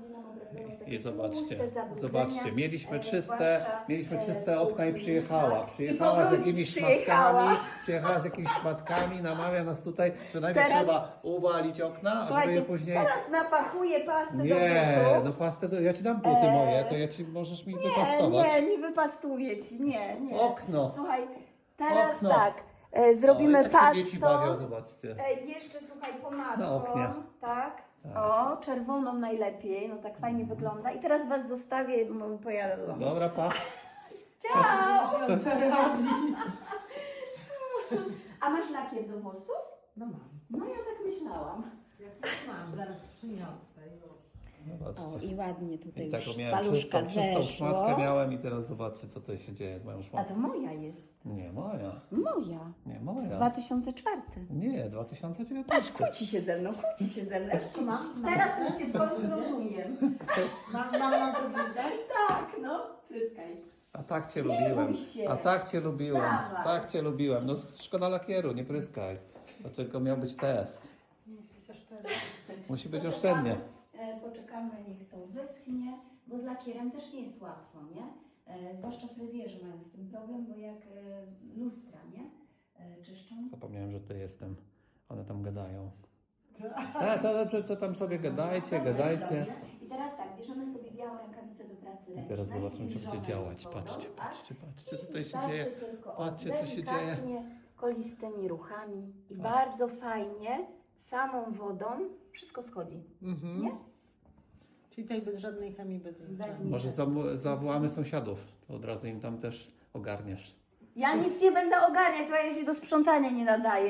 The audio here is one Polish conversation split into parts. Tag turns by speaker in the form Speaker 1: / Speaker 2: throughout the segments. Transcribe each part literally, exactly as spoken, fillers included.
Speaker 1: będzie nam obrazował takie
Speaker 2: I zobaczcie,
Speaker 1: tłuste zabrudzenia,
Speaker 2: zobaczcie, mieliśmy
Speaker 1: e,
Speaker 2: czyste,
Speaker 1: zwłaszcza,
Speaker 2: mieliśmy
Speaker 1: e,
Speaker 2: czyste okna i
Speaker 1: kuchni,
Speaker 2: przyjechała.
Speaker 1: tak.
Speaker 2: Przyjechała
Speaker 1: I
Speaker 2: z
Speaker 1: powrócić
Speaker 2: jakimiś
Speaker 1: przyjechała.
Speaker 2: szmatkami, przyjechała z jakimiś szmatkami, namawia nas tutaj, że najpierw
Speaker 1: Teraz-
Speaker 2: trzeba uwalić okna, a żeby
Speaker 1: Słuchajcie,
Speaker 2: je później...
Speaker 1: teraz napakuję pastę
Speaker 2: Nie,
Speaker 1: do butów.
Speaker 2: no pastę, to ja ci dam buty
Speaker 1: Eee,
Speaker 2: moje, to ja ci możesz mi
Speaker 1: Nie,
Speaker 2: wypastować.
Speaker 1: nie, nie wypastuję ci, nie, nie.
Speaker 2: Okno.
Speaker 1: Słuchaj, teraz
Speaker 2: Okno.
Speaker 1: tak, e, zrobimy
Speaker 2: O, jak się dzieci
Speaker 1: pastą.
Speaker 2: bawią, zobaczcie.
Speaker 1: E, jeszcze słuchaj,
Speaker 2: Na
Speaker 1: pomadką,
Speaker 2: oknie.
Speaker 1: tak?
Speaker 2: Tak.
Speaker 1: O, czerwoną najlepiej, no tak fajnie wygląda. I teraz was zostawię, bo pojadę do domu.
Speaker 2: Dobra, pa.
Speaker 1: Ciao!
Speaker 3: robi?
Speaker 1: A masz lakier do włosów?
Speaker 3: No mam.
Speaker 1: No ja tak myślałam.
Speaker 3: Jak mam, zaraz przyniosę już.
Speaker 1: O,
Speaker 2: Zobaczcie.
Speaker 1: i ładnie tutaj
Speaker 2: I taką
Speaker 1: już
Speaker 2: miałem
Speaker 1: paluszka
Speaker 2: czystą, czystą
Speaker 1: zeszło.
Speaker 2: szmatkę miałem i teraz zobaczcie, co tutaj się dzieje z moją
Speaker 1: A
Speaker 2: szmatką.
Speaker 1: to moja jest.
Speaker 2: Nie, moja.
Speaker 1: Moja.
Speaker 2: Nie, moja.
Speaker 1: dwa tysiące czwarty.
Speaker 2: Nie, dwa tysiące
Speaker 1: Patrz,
Speaker 2: dziewiętnaście.
Speaker 1: kłóci się ze mną, kłóci się ze mną.
Speaker 3: Co mam?
Speaker 1: Teraz już cię w końcu rozumiem.
Speaker 3: Mam, mam, mam to gdzieś dać?
Speaker 1: Tak, no, pryskaj.
Speaker 2: A tak cię
Speaker 1: Nie
Speaker 2: lubiłem.
Speaker 1: bój się.
Speaker 2: A tak cię lubiłem.
Speaker 1: Dawaj.
Speaker 2: Tak cię lubiłem. No szkoda lakieru, nie pryskaj. Dlaczego miał być test?
Speaker 3: Chociaż teraz.
Speaker 2: Musi być
Speaker 1: Poczekamy,
Speaker 2: oszczędnie.
Speaker 1: e, Poczekamy, niech to wyschnie, bo z lakierem też nie jest łatwo, nie? E, Zwłaszcza fryzjerzy mają z tym problem, bo jak e, lustra, nie? E, Czyszczą.
Speaker 2: Zapomniałem, że tutaj jestem. One tam gadają. A, to, to, to tam sobie gadajcie,
Speaker 1: Dobrze,
Speaker 2: gadajcie.
Speaker 1: dobrze. I teraz tak, bierzemy sobie białą rękawicę do pracy
Speaker 2: I
Speaker 1: ręcznej.
Speaker 2: teraz zobaczymy, co będzie
Speaker 1: zwilżoną
Speaker 2: działać.
Speaker 1: z wodą,
Speaker 2: Patrzcie,
Speaker 1: tak?
Speaker 2: patrzcie, patrzcie,
Speaker 1: I
Speaker 2: co tutaj się
Speaker 1: wystarczy
Speaker 2: dzieje.
Speaker 1: tylko
Speaker 2: Patrzcie, co się dzieje.
Speaker 1: delikatnie, kolistymi ruchami i
Speaker 2: Tak.
Speaker 1: bardzo fajnie, samą wodą wszystko schodzi.
Speaker 2: Mhm.
Speaker 1: Nie?
Speaker 3: Czyli tutaj bez żadnej chemii, bez
Speaker 1: Bez
Speaker 3: niczego.
Speaker 1: nic.
Speaker 2: Może zawo- zawołamy sąsiadów, to od razu im tam też ogarniesz.
Speaker 1: Ja nic nie będę ogarniać, bo ja się do sprzątania nie nadaję.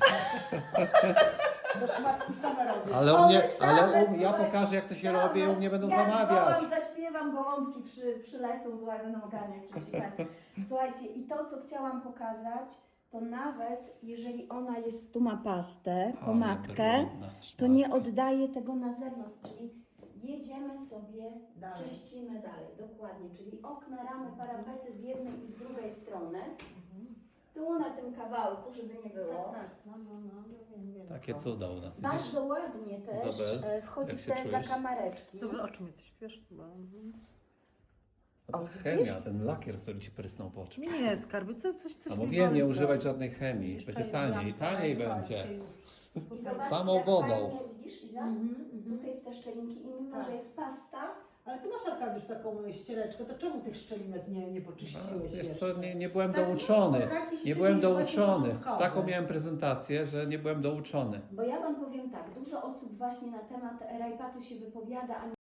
Speaker 3: To szmatki same robię.
Speaker 2: Ale u
Speaker 1: One
Speaker 2: mnie,
Speaker 1: same,
Speaker 2: ale u, ja
Speaker 1: słuchaj,
Speaker 2: pokażę, jak to się
Speaker 1: same.
Speaker 2: robi, u mnie będą
Speaker 1: ja
Speaker 2: zamawiać.
Speaker 1: Ja zaśpiewam, gołąbki przy, przylecą, słuchaj, będą ogarniać wcześniej. Tak. Słuchajcie, i to, co chciałam pokazać, to nawet jeżeli ona jest, tu ma pastę,
Speaker 2: Ale
Speaker 1: pomadkę,
Speaker 2: brudna
Speaker 1: to nie
Speaker 2: szmatka.
Speaker 1: oddaje tego na zewnątrz, czyli jedziemy sobie,
Speaker 3: Dalej.
Speaker 1: czyścimy dalej, dokładnie, czyli okna, ramy, parapety z jednej i z drugiej strony, tu na tym kawałku, żeby nie było.
Speaker 3: Tak, tak, no, no, no, ja wiem, wiem.
Speaker 2: Takie cuda u nas, widzisz?
Speaker 1: Bardzo ładnie też
Speaker 2: Izabel,
Speaker 1: e, wchodzi
Speaker 2: jak
Speaker 1: w
Speaker 2: się
Speaker 1: te
Speaker 2: czujesz?
Speaker 1: zakamareczki.
Speaker 3: Dobra, o czym ty śpiesz? Bo... mhm.
Speaker 2: No
Speaker 1: O,
Speaker 2: to
Speaker 1: widzisz?
Speaker 2: chemia, ten lakier, który ci prysnął po oczy.
Speaker 3: Nie, skarby, co, coś, coś
Speaker 2: A
Speaker 3: mi
Speaker 2: mówiłem
Speaker 3: boli,
Speaker 2: nie
Speaker 3: to-
Speaker 2: używać żadnej chemii,
Speaker 3: Jeszcze
Speaker 2: będzie
Speaker 3: i
Speaker 2: taniej,
Speaker 3: lampka,
Speaker 2: taniej
Speaker 3: i
Speaker 2: będzie.
Speaker 3: się już-
Speaker 1: I zobaczcie,
Speaker 2: Samą
Speaker 1: jak
Speaker 2: wodą.
Speaker 1: fajnie, widzisz, Iza?
Speaker 3: Mhm, mhm.
Speaker 1: Tutaj w te szczelinki i mimo,
Speaker 3: Tak.
Speaker 1: że jest pasta,
Speaker 3: Ale ty masz Arkadiusz taką ściereczkę, to czemu tych szczelinek nie, nie poczyściłeś
Speaker 2: Wiesz
Speaker 3: jeszcze?
Speaker 2: co, nie, nie byłem
Speaker 3: Taki-
Speaker 2: douczony,
Speaker 3: taki
Speaker 2: nie byłem
Speaker 3: szczelinek właśnie
Speaker 2: douczony.
Speaker 3: porządkowy.
Speaker 2: Taką miałem prezentację, że nie byłem douczony.
Speaker 1: bo ja Wam powiem tak, dużo osób właśnie na temat rajpatu się wypowiada, a